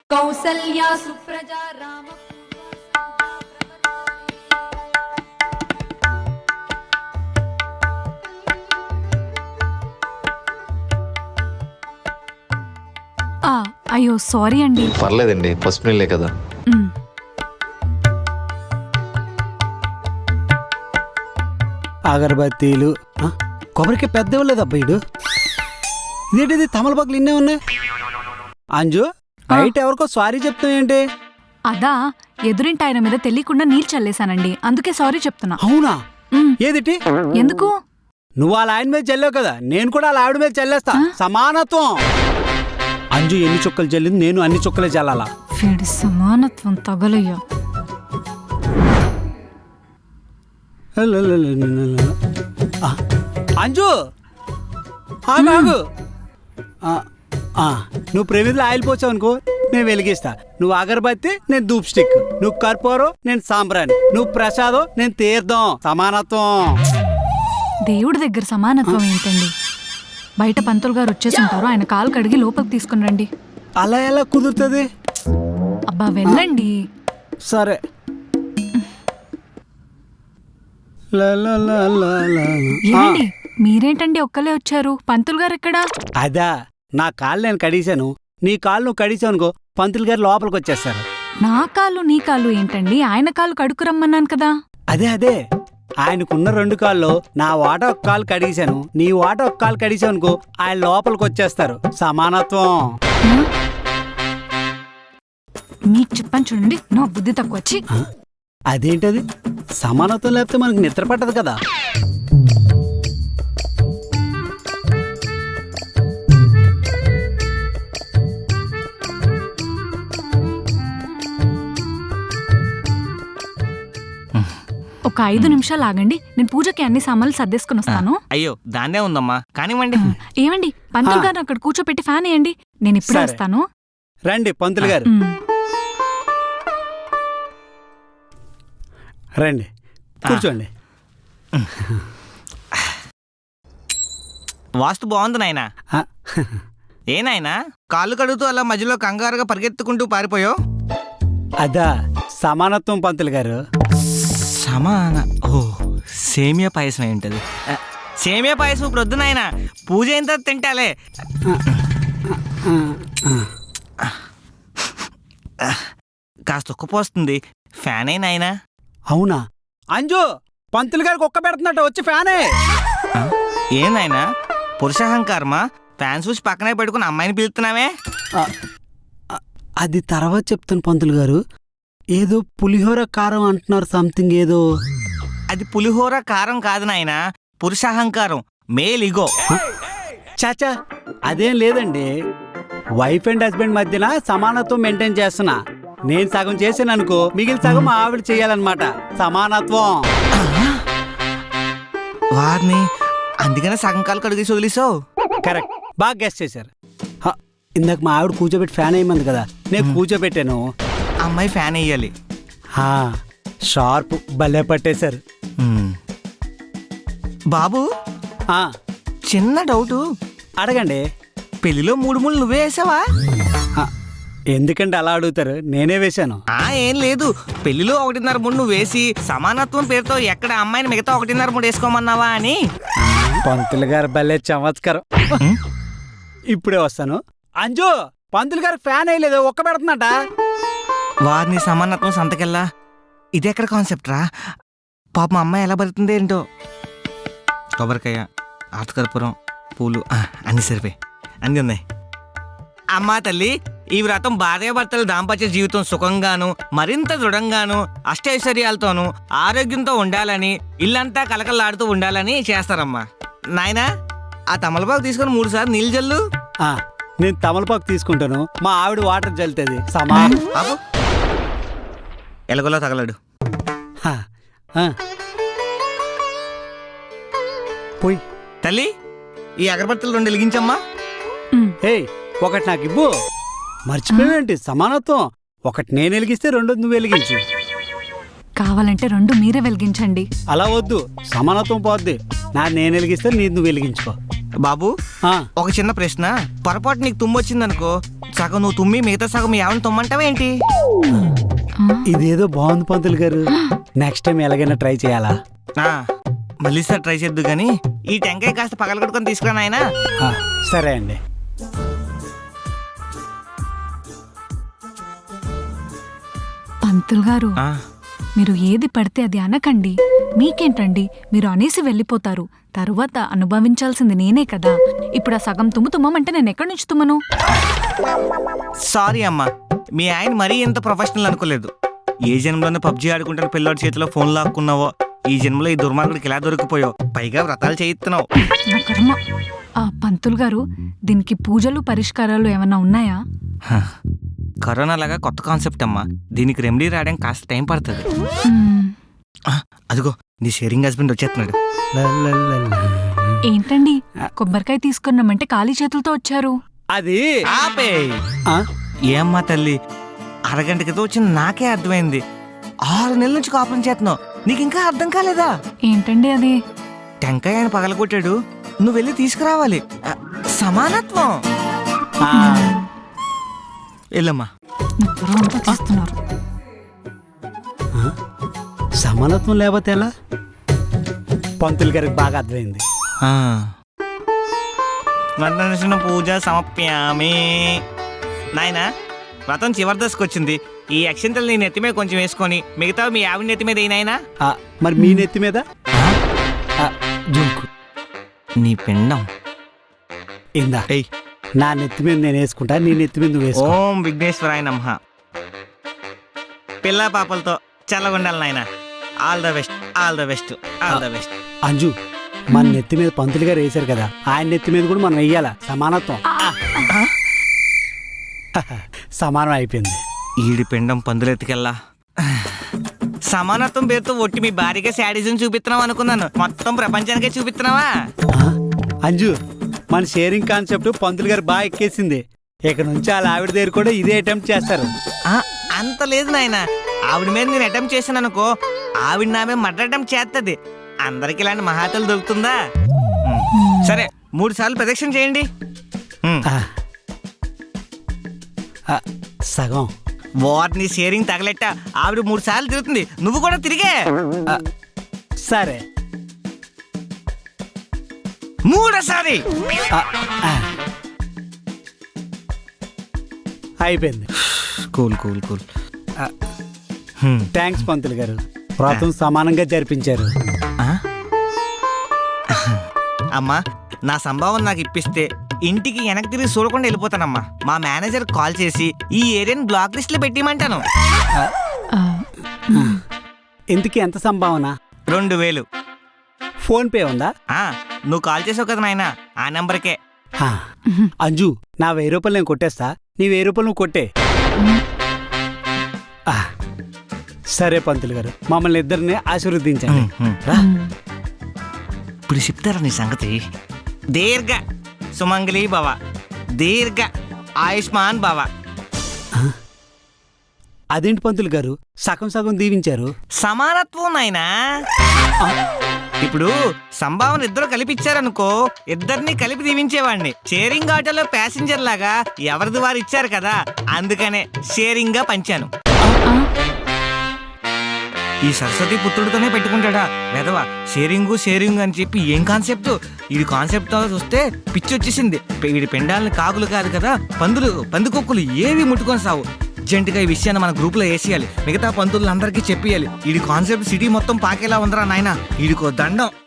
కౌసల్యా సుప్రజా రామ అయ్యో సారీ అండి. పర్లేదండి, పసుపు నీళ్ళే కదా. అగరబత్తీలు కొబ్బరికి పెద్ద ఇవ్వలేదు అబ్బాయిడు. ఇదేంటిది తమలపాకులు ఇన్నే ఉన్నాయి. అంజు బయట ఎవరికో సారీ చెప్తావు ఏంటి? అదా ఎదురింటి ఆయన మీద తెలియకుండా నీళ్ళు చల్లేశానండి, అందుకే సారీ చెప్తున్నా. అవునా? ఏదిటి? ఎందుకు? నువ్వు వాళ్ళ ఆయన మీద చల్లావు కదా, నేను కూడా వాళ్ళ ఆవిడ మీద చల్లేస్తా. సమానత్వం. అంజు ఎన్ని చుక్కలు చల్లింది, నేను అన్ని చుక్కలే చల్లాలా. వీడి సమానత్వం తగలయ్యా. అంజు ఆగు. నువ్వు ప్రమిదిలో ఆయిల్ పోసావు అనుకో, నేను వెలిగిస్తా. నువ్వు అగరబత్తి, నేను ధూప్ స్టిక్. నువ్వు కర్పూరం, నేను సాంబ్రాణి. నువ్వు ప్రసాదం, నేను తీర్థం. సమానత్వం. దేవుడి దగ్గర సమానత్వం ఏంటండి? బయట పంతులు గారు వచ్చేసుంటారు, ఆయన కాలు కడిగి లోపలికి తీసుకుని రండి. అలా ఎలా కుదురుతుంది? అబ్బా వెళ్ళండి. సరే. ఏమండి మీరేంటండి ఒక్కలే వచ్చారు? పంతులు గారు ఎక్కడా? అదా, నా కాళ్ళు నేను కడిగాను, నీ కాళ్ళు నువ్వు కడిగావు అనుకో, పంతులు గారు లోపలికి వచ్చేస్తారు. నా కాళ్ళు నీ కాళ్ళు ఏంటండి? ఆయన కాళ్ళు కడుక్కురమ్మన్నాను కదా. అదే ఆయనకున్న 2 కాళ్ళు నా వాట ఒక కాలు కడిగాను, నీ వాట ఒక కాలు కడిగావు అనుకో, ఆయన లోపలికి వచ్చేస్తారు. సమానత్వం. మీకు చెప్పని చూడండి, నా బుద్ధి తక్కువ వచ్చి. అదేంటది? సమానత్వం లేకపోతే మనకు నిద్ర పట్టదు కదా. ఒక 5 నిమిషాలు ఆగండి, నేను పూజకి అన్ని సామాన్లు సర్దేసుకుని వస్తాను. అయ్యో దాన్నే ఉందమ్మా, కానివ్వండి. ఏమండి పంతులు గారు అక్కడ కూర్చోపెట్టి ఫ్యాన్ వేయండి, నేను ఇప్పుడే వస్తాను. రండి పంతులు గారు, రండి కూర్చోండి. వాస్తు బాగుంది నాయనా. ఏ నాయనా కాళ్ళు కడుగుతూ అలా మధ్యలో కంగారుగా పరిగెత్తుకుంటూ పారిపోయావు? అదా సమానత్వం పంతులు గారు. సేమియా పాయసం ఏంటది? సేమియా పాయసం ఇప్పుడు వద్దు నాయనా, పూజ అయిన తర్వాత తింటాలే. కాస్త ఉక్కపోస్తుంది, ఫ్యాన్ అయినా నాయనా. అవునా? అంజు పంతులు గారికి ఒక్క పెడుతున్నట్టు వచ్చి ఫ్యానే. ఏం నాయనా పురుషాహంకారమా? ఫ్యాన్ చూసి పక్కనే పెట్టుకుని అమ్మాయిని పిలుస్తున్నావే? అది తర్వాత చెప్తాను పంతులు గారు. ఏదో పులిహోర కారం అంటున్నారు, సంథింగ్ ఏదో. అది పులిహోర కారం కాదు నాయనా, పురుషాహంకారం, మేల్ ఇగో. చాచా అదేం లేదండి, వైఫ్ అండ్ హస్బెండ్ మధ్యన సమానత్వం మెయింటైన్ చేస్తున్నా. నేను సగం చేసాను అనుకో, మిగిలిన సగం మా ఆవిడ చెయ్యాలన్నమాట. సమానత్వం. వారిని అందుకనే సగం కాలు కడిగేసి వదిలేసావు. కరెక్ట్, బాగా గెస్ట్ చేశారు. ఇందాక మా ఆవిడ కూర్చోబెట్టి ఫ్యాన్ అయ్యింది కదా, నేను కూర్చోబెట్టాను. అమ్మాయి ఫ్యాన్ వేయాలి. షార్ప్, భలే పట్టేశారు. బాబు చిన్న డౌటు అడగండి. పెళ్లిలో 3 ముళ్ళు నువ్వే వేసావా? ఎందుకంటే అలా అడుగుతారు, నేనే వేశాను. ఏం లేదు, పెళ్లిలో 1.5 ముళ్ళు నువ్వు వేసి సమానత్వం పేరుతో ఎక్కడ అమ్మాయిని మిగతా 1.5 ముళ్ళు వేసుకోమన్నావా అని. పంతులు గారు భలే చమత్కారం. ఇప్పుడే వస్తాను. అంజు పంతులు గారు ఫ్యాన్ వేయలేదు, ఒక్క పెడుతున్నట. వారిని సమానత్వం సంతకెళ్ళా, ఇదెక్కడ కాన్సెప్ట్ రా? పాప మా అమ్మాయి ఎలా బతుకుతుంది ఏంటో. కొబ్బరికాయ, ఆర్తకర్పూరం, పూలు అన్ని సరిపోయి అన్నీ ఉన్నాయి. అమ్మా తల్లి, ఈ వ్రతం భార్యాభర్తల దాంపత్య జీవితం సుఖంగాను మరింత దృఢంగాను అష్టైశ్వర్యాలతోనూ ఆరోగ్యంతో ఉండాలని, ఇల్లంతా కలకలాడుతూ ఉండాలని చేస్తారమ్మా. నాయనా ఆ తమలపాకు తీసుకొని 3 సార్లు నీళ్ళు జల్లు. నేను తమలపాకు తీసుకుంటాను, మా ఆవిడ వాటర్ జల్లుతుంది. బాబు ఎలగలో తగలడు. పోయి తల్లి ఈ అగరబత్తులు 2 వెలిగించమ్మా. ఒకటి నాకు ఇవ్వు. మర్చిపోయేంటి? సమానత్వం. ఒకటి నేను వెలిగిస్తే 2 నువ్వు వెలిగించు. కావాలంటే 2 మీరే వెలిగించండి. అలా వద్దు, సమానత్వం పోద్ది. నేను వెలిగిస్తే నువ్వు వెలిగించుకో. బాబు ఆ, ఒక చిన్న ప్రశ్న, పొరపాటు నీకు తుమ్ము వచ్చిందనుకో, సగం నువ్వు తుమ్మి మిగతా సగం మీ ఆవిడని తుమ్మంటావా ఏంటి? ఇదేదో బాగుంది పంతులు గారు. నెక్స్ట్ టైం ఎలాగైనా ట్రై చేయాలా? ఆ, మళ్ళీ సార్ ట్రై చేద్దు కానీ ఈ టెంకాయ కాస్త పగలగొట్టుకొని తీసుకురా నాయనా. ఆ, సరే అండి. పంతులు గారు, ఆ, మీరు ఏది పడితే అది అనకండి. మీకేంటండి, మీరు అనేసి వెళ్ళిపోతారు. తరువాత అనుభవించాల్సింది నేనే కదా. ఇప్పుడు ఆ సగం తుమ్మంటే నేను ఎక్కడి నుంచి తుమ్మను? సారీ అమ్మా, మీ ఆయన మరీ ఇంత ప్రొఫెషనల్ అనుకోలేదు. ఏ జన్మలోనే పబ్జీ ఆడుకుంటున్న పిల్లోడి చేతిలో ఫోన్ లాక్కున్నావో, ఈ జన్మలో ఈ దుర్మార్గుడికి ఎలా దొరికిపోయావు, పైగా వ్రతాలు చేయిస్తున్నావు. నా కర్మ. ఆ పంతులు గారు, దీనికి పూజలు పరిష్కారాలు ఏమన్నా ఉన్నాయా? హ, కరోనా లాగా కొత్త కాన్సెప్ట్ అమ్మా, దీనికి రెమెడీ రావడానికి కాస్త టైం పడుతుంది. మ్మ్. అదిగో నీ షేరింగ్ హస్బెండ్ వచ్చేస్తున్నాడు. ఏంటండి, కొబ్బరికాయ తీసుకున్నామంటే ఖాళీ చేతులతో వచ్చారు? అది ఆపే. ఆ, ఏమ్మా తల్లి, అరగంట క్రితం వచ్చింది నాకే అర్థమైంది. 6 నెలల నుంచి కాపురం చేస్తున్నావు, నీకు ఇంకా అర్థం కాలేదా? ఏంటండి అది? టెంకాయ ఆయన పగలగొట్టాడు, నువ్వు వెళ్ళి తీసుకురావాలి. సమానత్వం. ఆ, వెళ్ళమ్మా. నా త్వర అంతా తీస్తున్నారు. ఆ, సమానత్వం లేకపోతే ఎలా? పంతులు గారికి బాగా అర్థమైంది. వర్ణన పూజ సమప్యామి. నాయనా, వ్రతం చివరి దశకు వచ్చింది. ఈ అక్షింతలు నీ నెత్తి మీద కొంచెం వేసుకొని మిగతా మీ ఆవిడ నెత్తి మీద ఏనాయనా. ఆ, మరి మీ నెత్తి మీద ఆ, జోకు. నీ పిండం ఇందా, ఏయ్. నా నెత్తి మీద నేను వేసుకుంటా, నీ నెత్తి మీద నువ్వు వేసుకో. ఓం విఘ్నేశ్వరాయ నమః. పిల్ల పాపలతో చల్లగుండాలి నాయన. All the best, all the best, all the best. Anju, మన నెత్తి మీద పంతులు గారు వేశారు కదా, ఆయన నెత్తి మీద కూడా మనం వెయ్యాలా. సమానత్వం. సమానం అయిపోయింది. ఈడి పిండం పందులెత్తికెళ్ళా. సమానత్వం పేరుతో ఒట్టి మీ భార్యగా శాడిజం చూపిస్తున్నావు అనుకున్నాను, మొత్తం ప్రపంచానికే చూపిస్తున్నావా? ఆ, అంజు, మన షేరింగ్ కాన్సెప్ట్ పంతులు గారు బాగా ఎక్కేసింది. ఇక నుంచి వాళ్ళ ఆవిడ దగ్గర కూడా ఇదే అటెంప్ట్ చేస్తారు. అంత లేదు నాయన, ఆవిడ మీద నేను అటెంప్ట్ చేశాను అనుకో, ఆవిడ నా మీద మర్డర్ అటెంప్ట్ చేస్తుంది. అందరికి ఇలాంటి మహాతలు దొరుకుతుందా? సరే, 3 సార్లు ప్రదక్షిణ చేయండి. ఆ, ఆ, సగం. వారిని షేరింగ్ తగలెట్ట ఆవిడ 3 సార్లు తిరుగుతుంది, నువ్వు కూడా తిరిగే. ఆ, సరే. మూడోసారి. ఆ, ఆ. అయిపోయింది. Cool cool cool. ఆ, థ్యాంక్స్ పంతులు గారు, వ్రతం సమానంగా జరిపించారు. అమ్మా, నా సంభావన నాకు ఇప్పిస్తే ఇంటికి వెనక్కి తిరిగి చూడకుండా వెళ్ళిపోతానమ్మా. మా మేనేజర్ కాల్ చేసి ఈ ఏరియాని బ్లాక్ లిస్ట్ లో పెట్టిమంటాను. ఆ, ఇంతకీ ఎంత సంభావన? 2000. ఫోన్ పే ఉందా? నువ్వు కాల్ చేసావు కదా నాయన, ఆ నెంబర్కే. ఆ, అంజు, నా 1000 రూపాయలు నేను కొట్టేస్తా, నీ 1000 రూపాయలు నువ్వు కొట్టే. ఆ, సరే పంతులు గారు, మమ్మల్ని ఇద్దరిని ఆశీర్వదించండి. రా, ఇప్పుడు చెప్తారా నీ సంగతి. దీర్ఘ సుమంగళి భవ, దీర్ఘ ఆయుష్మాన్ భవ. అదేంటి పంతులు గారు, సగం సగం దీవించారు? సమానత్వం నాయనా. ఇప్పుడు సంభావన ఇద్దరు కలిపిచ్చారనుకో, ఇద్దరిని కలిపి దీవించేవాడిని. షేరింగ్ ఆటోలో ప్యాసింజర్ లాగా ఎవరిది వారు ఇచ్చారు కదా, అందుకనే షేరింగ్ గా పంచాను. ఈ సరస్వతి పుత్రుడితోనే పెట్టుకుంటాడా వెధవా. షేరింగ్ అని చెప్పి ఏం కాన్సెప్ట్? ఈ కాన్సెప్ట్ చూస్తే పిచ్చి వచ్చేసింది. వీడి పెండాలని కాకులు కాదు కదా, పందులు, పందికొక్కులు ఏవి ముట్టుకొని సావు. అర్జెంటుగా ఈ విషయాన్ని మన గ్రూప్ లో వేసేయాలి, మిగతా పంతులందరికీ చెప్పేయాలి. ఈ కాన్సెప్ట్ సిటీ మొత్తం పాకేలా ఉందరా నాయన. వీడికో దండం.